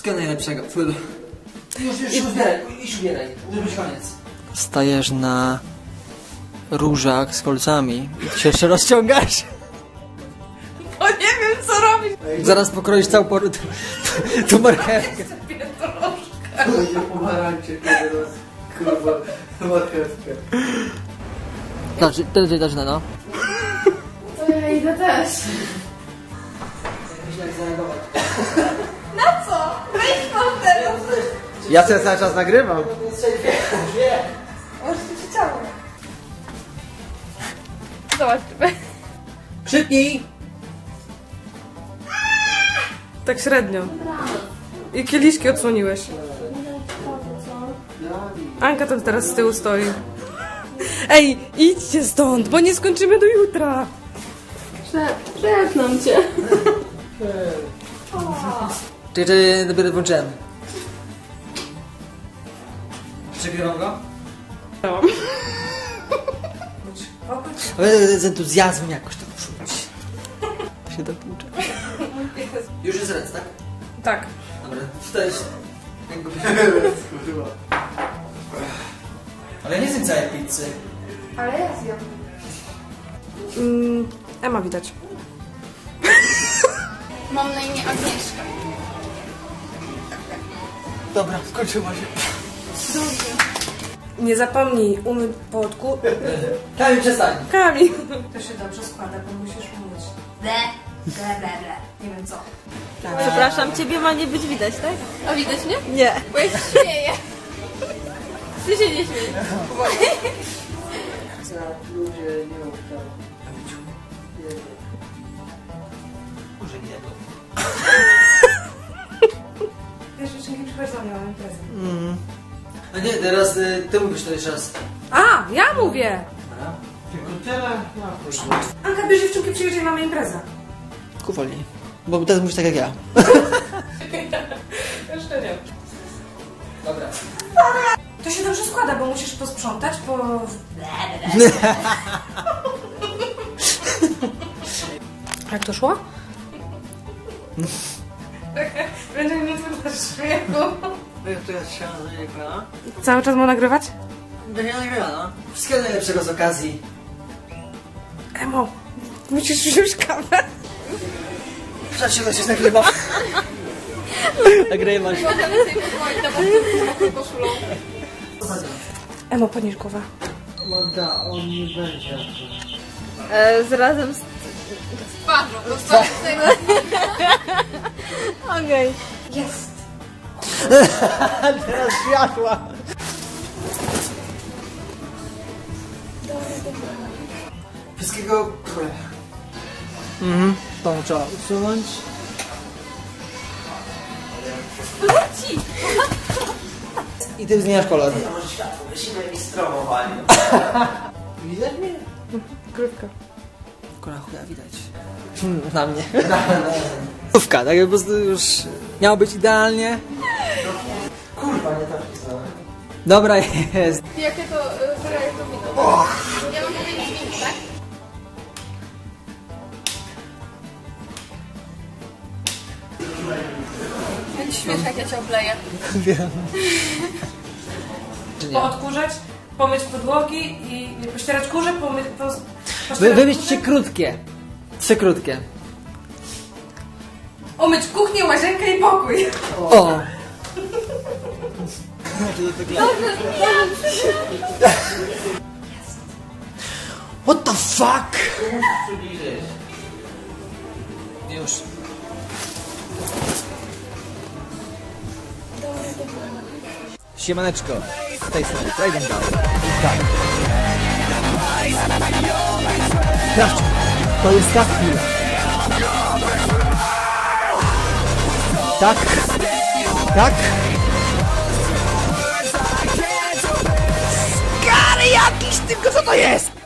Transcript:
Wszystkiego najlepszego. Już ubieraj. Może być koniec. Stajesz na różach z kolcami i ty się jeszcze rozciągasz. O, nie wiem co robić. Zaraz pokroisz całą tu marchewkę. Będzie pomarańcze teraz. Kurwa, marchewkę. Znaczy, ty zaczyna, no. To ja idę też. Na co? Wejdź pan teraz. Ja sobie cały czas nagrywam. Może ci się ciało. Zobaczmy. Krzyknij! Tak średnio. I kieliszki odsłoniłeś. Anka tam teraz z tyłu stoi. Ej, idźcie stąd, bo nie skończymy do jutra. Przepraszam cię. Czy dopiero włączyłem. Przegrywam go? Ale z entuzjazmem jakoś tam czuć. Się dopłuczę. Już jest rec, tak? Tak. Dobra, to jest... Ale ja nie zjem całej pizzy. Ale ja zjem. Ema widać. Mam na imię Agnieszka. Dobra, skończyła się. Nie zapomnij umyć podku. Kamil, przestań. Kamil. To się dobrze składa, bo musisz umyć. Ble, ble, ble, ble. Nie wiem co. Przepraszam, ciebie ma nie być widać, tak? A widać mnie? Nie. Bo ja się śmieję. Ty się nie śmiej. Ludzie nie mów tam. Może nie to. Wiesz, jeszcze nie przychodzą, nie mam imprezy. A nie, teraz ty mówisz to jeszcze raz. A, ja mówię! Dobra. Tylko tyle na to. Anka, bierz dziewczynki, przyjedzie i mamy imprezę. Ku wolniej. Bo teraz mówisz tak jak ja. Jeszcze nie. Dobra. To się dobrze składa, bo musisz posprzątać, bo... Jak to szło? Będzie mnie to śmiechu. Jak to jest się nagrywa? Cały czas ma nagrywać? Będzie nagrywa, no. Wszystkiego najlepszego z okazji. Emo, musisz wziąć kawę. Dlaczego się nagrywa? Nagrywasz. Możemy sobie pozwolić na mokrą koszulą. Emo, podnieś głowę. Magda, on nie będzie. Razem z... Twarzą, to z tego. Okej. Jest. Teraz światła. Wszystkiego... To trzeba usunąć. I ty zmieniasz kolor. Może światło, musimy mi stromowali. Widać mnie? Krywka. Kola chuja widać. Na mnie. Słówka, tak po prostu już miało być idealnie. Kurwa, nie tak pisałem. Dobra jest. Jakie to wyraje to wino? Ja mam powiedzieć wino, tak? Będzie śmieszne, jak ja cię obleję. Wiem. Czy nie? Poodkurzać, pomyć podłogi i pościerać kurze, pomyć... Wymyślcie krótkie. 3 krótkie. Umyć kuchnię, łazienkę i pokój. O! What the fuck? Już. Siemaneczko. Z tej strony Raiden Down. Tak. Sprawdź, to jest ta chwila. Tak. Tak. Skary jakiś, tylko co to jest?